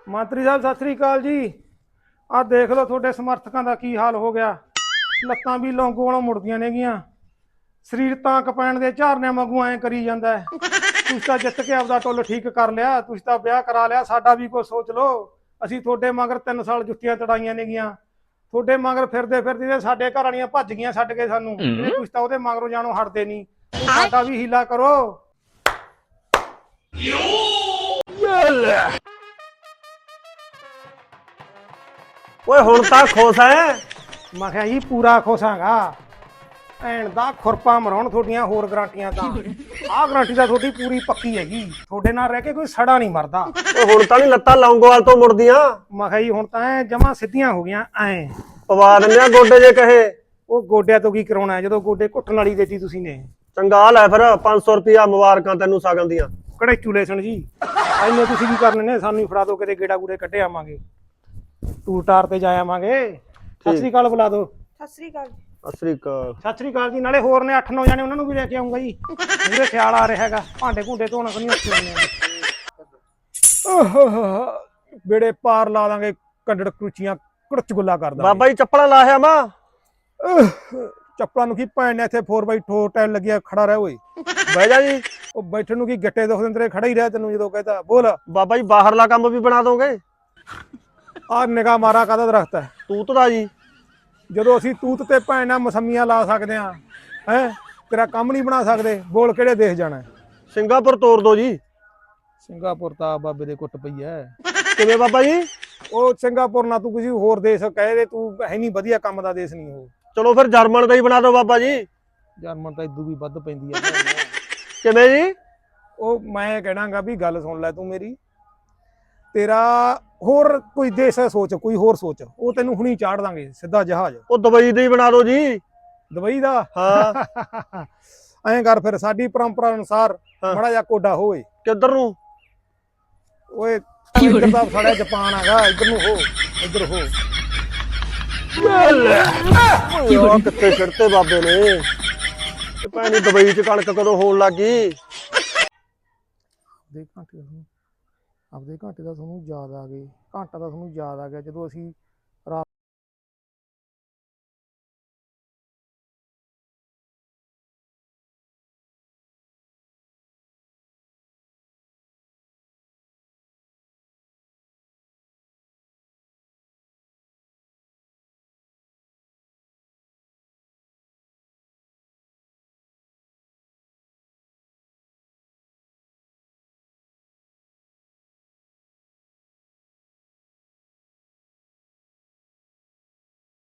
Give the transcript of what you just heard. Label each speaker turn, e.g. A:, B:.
A: ਮੰਤਰੀ ਸਾਹਿਬ ਸਤਿ ਸ੍ਰੀ ਅਕਾਲ ਜੀ। ਆਹ ਦੇਖ ਲਓ ਤੁਹਾਡੇ ਸਮਰਥਕਾਂ ਦਾ ਕੀ ਹਾਲ ਹੋ ਗਿਆ। ਲੱਤਾਂ ਵੀ ਲੌਂਗੋ ਵਾਲੋਂ ਮੁੜਦੀਆਂ ਨੇਗੀਆਂ, ਸਰੀਰ ਤਾਂ ਕਪੈਣ ਦੇ ਝਾਰਨਿਆਂ ਵਾਂਗੂ ਐਂ ਕਰੀ ਜਾਂਦਾ ਹੈ। ਤੁਸੀਂ ਤਾਂ ਜਿੱਤ ਕੇ ਆਪਦਾ ਟੁੱਲ ਠੀਕ ਕਰ ਲਿਆ, ਤੁਸੀਂ ਤਾਂ ਵਿਆਹ ਕਰਾ ਲਿਆ, ਸਾਡਾ ਵੀ ਕੁਛ ਸੋਚ ਲਓ। ਅਸੀਂ ਤੁਹਾਡੇ ਮਗਰ 3 ਸਾਲ ਜੁੱਤੀਆਂ ਤੜਾਈਆਂ ਨੇਗੀਆਂ, ਤੁਹਾਡੇ ਮਗਰ ਫਿਰਦੇ ਫਿਰਦੇ ਸਾਡੇ ਘਰ ਵਾਲੀਆਂ ਭੱਜ ਗਈਆਂ ਛੱਡ ਕੇ ਸਾਨੂੰ। ਤੁਸੀਂ ਤਾਂ ਉਹਦੇ ਮਗਰੋਂ ਜਾਣੋਂ ਹਟਦੇ ਨਹੀਂ, ਸਾਡਾ ਵੀ ਹੀਲਾ ਕਰੋ।
B: ਓਏ ਹੁਣ ਤਾਂ ਖੁਸ਼ ਐ?
A: ਮੈਂ ਕਿਹਾ ਜੀ ਪੂਰਾ ਖੁਸ਼ਾਂਗਾ। ਭੈਣ ਦਾ ਖੁਰਪਾ ਮਰਾਉਣ ਤੁਹਾਡੀਆਂ ਹੋਰ ਗਰੰਟੀਆਂ ਤਾਂ। ਆਹ ਗਰੰਟੀ ਤਾਂ ਤੁਹਾਡੀ ਪੂਰੀ ਪੱਕੀ ਹੈਗੀ, ਤੁਹਾਡੇ ਨਾਲ ਰਹਿ ਕੇ ਕੋਈ ਸੜਾ ਨਹੀਂ ਮਰਦਾ।
B: ਓਏ ਹੁਣ ਤਾਂ ਨਹੀਂ ਲੱਤਾਂ ਲੌਂਗੋਵਾਲ ਤੋਂ ਮੁੜਦੀਆਂ।
A: ਮੈਂ ਕਿਹਾ ਜੀ ਹੁਣ ਤਾਂ ਜਮਾ ਸਿੱਧੀਆਂ ਹੋ ਗਈਆਂ ਐਂ।
B: ਪਵਾ ਦਿੰਦੇ ਆ ਗੋਡੇ ਜੇ ਕਹੇ।
A: ਉਹ ਗੋਡਿਆਂ ਤੋਂ ਕੀ ਕਰਾਉਣਾ ਜਦੋਂ ਗੋਡੇ ਘੁੱਟਣ ਵਾਲੀ ਦੇਤੀ ਤੁਸੀਂ ਨੇ।
B: ਚੰਗਾ ਲੈ ਫਿਰ 500 ਰੁਪਿਆ ਮੁਬਾਰਕਾਂ ਤੈਨੂੰ ਸਾਗਨ ਦੀਆਂ।
A: ਕੜੇ ਚੂਲੇ ਸਣ ਜੀ, ਐਨੇ ਤੁਸੀਂ ਕੀ ਕਰਨੇ ਨੇ, ਸਾਨੂੰ ਹੀ ਫੜਾ ਦੋ, ਕਿਤੇ ਗੇੜਾ ਗੂੜੇ ਕੱਢੇ ਆਵਾਂਗੇ, ਟੂਰ ਟਾਰ ਤੇ ਜਾ ਆਵਾਂਗੇ। ਸਤਿ ਸ੍ਰੀ ਅਕਾਲ ਬੁਲਾ ਦੋ।
C: ਸਤਿ ਸ੍ਰੀ ਅਕਾਲ।
B: ਸਤਿ ਸ੍ਰੀ ਅਕਾਲ।
A: ਸਤਿ ਸ੍ਰੀ ਅਕਾਲ ਜੀ। ਨਾਲੇ ਹੋਰ ਨੇ 8-9 ਜਾਣੇ, ਉਹਨਾਂ ਨੂੰ ਵੀ ਲੈ ਕੇ ਆਉਂਗਾ ਜੀ। ਮੇਰੇ ਖਿਆਲ ਆ ਰਿਹਾ ਹੈਗਾ, ਭਾਂਡੇ ਭੁੰਡੇ ਧੋਣਾ ਕਿ ਨਹੀਂ ਉੱਥੇ ਆਉਂਦੇ। ਬੇੜੇ ਪਾਰ ਲਾ ਦਾਂਗੇ, ਕੰਡੜ ਕਰੂਚੀਆਂ ਕੁੜਚ ਗੁੱਲਾ ਕਰ ਦਾਂਗੇ।
B: ਬਾਬਾ ਜੀ ਚੱਪਲਾਂ ਲਾਹਿਆ ਮਾ।
A: ਚੱਪਲਾਂ ਨੂੰ ਕੀ ਭੈਣ ਨੇ ਇੱਥੇ 4x4 ਟਾਇਲ ਲੱਗਿਆ, ਖੜਾ ਰਹਿ ਓਏ।
B: ਬਹਿ ਜਾ ਜੀ।
A: ਉਹ ਬੈਠਣ ਨੂੰ ਕੀ ਗੱਟੇ ਦੁਖਦੇ ਤੇਰੇ, ਖੜਾ ਹੀ ਰਹਿ, ਤੈਨੂੰ ਜਦੋਂ ਕਹਤਾ ਬੋਲ।
B: ਬਾਬਾ ਜੀ ਬਾਹਰਲਾ ਕੰਮ ਵੀ ਬਣਾ ਦੋਗੇ?
A: ਆਹ ਨਿਗਾਹ ਮਾਰਾ ਕਾਹਦਾ ਦਰਖਤ ਹੈ?
B: ਤੂਤ ਦਾ ਜੀ।
A: ਜਦੋਂ ਅਸੀਂ ਤੂਤ ਤੇ ਭੈਣ ਨਾਲ ਮਸੰਮੀਆਂ ਲਾ ਸਕਦੇ ਆ, ਹੈ ਤੇਰਾ ਕੰਮ ਨਹੀਂ ਬਣਾ ਸਕਦੇ। ਬੋਲ ਕਿਹੜੇ ਦੇਸ਼ ਜਾਣਾ?
B: ਸਿੰਗਾਪੁਰ ਤੋਰ ਦੋ ਜੀ।
A: ਸਿੰਗਾਪੁਰ ਤਾਂ ਬਾਬੇ ਦੇ ਕੁੱਟ ਪਈ ਐ।
B: ਕਿਵੇਂ ਬਾਬਾ ਜੀ?
A: ਉਹ ਸਿੰਗਾਪੁਰ ਨਾ ਤੂੰ ਕਿਸੇ ਹੋਰ ਦੇਸ਼ ਕਹੇ ਦੇ, ਤੂੰ ਹੈ ਨਹੀਂ ਵਧੀਆ ਕੰਮ ਦਾ ਦੇਸ਼ ਨਹੀਂ ਉਹ।
B: ਚਲੋ ਫਿਰ ਜਰਮਨ ਦਾ ਹੀ ਬਣਾ ਦਿਓ ਬਾਬਾ ਜੀ।
A: ਜਰਮਨ ਤਾਂ ਇਦੋਂ ਵੀ ਵੱਧ ਪੈਂਦੀ ਆ।
B: ਕਿਵੇਂ ਜੀ?
A: ਉਹ ਮੈਂ ਕਹਿਣਾਗਾ ਵੀ ਗੱਲ ਸੁਣ ਲੈ ਤੂੰ ਮੇਰੀ, ਤੇਰਾ ਹੋਰ ਕੋਈ ਦੇਸ਼ ਹੈ ਸੋਚ, ਕੋਈ ਹੋਰ ਸੋਚ, ਉਹ ਤੈਨੂੰ ਹੁਣੀ ਚਾੜ ਦਾਂਗੇ ਸਿੱਧਾ ਜਹਾਜ਼।
B: ਉਹ ਦੁਬਈ ਦਾ ਹੀ ਬਣਾ ਦਿਓ ਜੀ।
A: ਦੁਬਈ ਦਾ?
B: ਹਾਂ।
A: ਐਂ ਕਰ ਫਿਰ, ਸਾਡੀ ਪਰੰਪਰਾ ਅਨੁਸਾਰ ਮਾੜਾ ਜਿਹਾ ਕੋਡਾ ਹੋਏ।
B: ਕਿੱਧਰ ਨੂੰ?
A: ਓਏ ਇੱਧਰ ਦਾ ਸਾਡਾ ਜਾਪਾਨ ਹੈਗਾ, ਇੱਧਰ ਨੂੰ ਹੋ, ਇੱਧਰ ਹੋ।
B: ਉਹ ਕਿੱਥੇ ਛਿੜਤੇ ਬਾਬੇ ਨੇ। ਭੈਣੀ ਦੁਬਈ ਚ ਕਣਕ ਕਦੋਂ ਹੋਣ ਲੱਗੀ?
A: ਆਪਦੇ ਘਾਟੇ ਦਾ ਤੁਹਾਨੂੰ ਯਾਦ ਆ ਗਏ, ਘਾਟਾ ਦਾ ਤੁਹਾਨੂੰ ਯਾਦ ਆ ਗਿਆ ਜਦੋਂ ਅਸੀਂ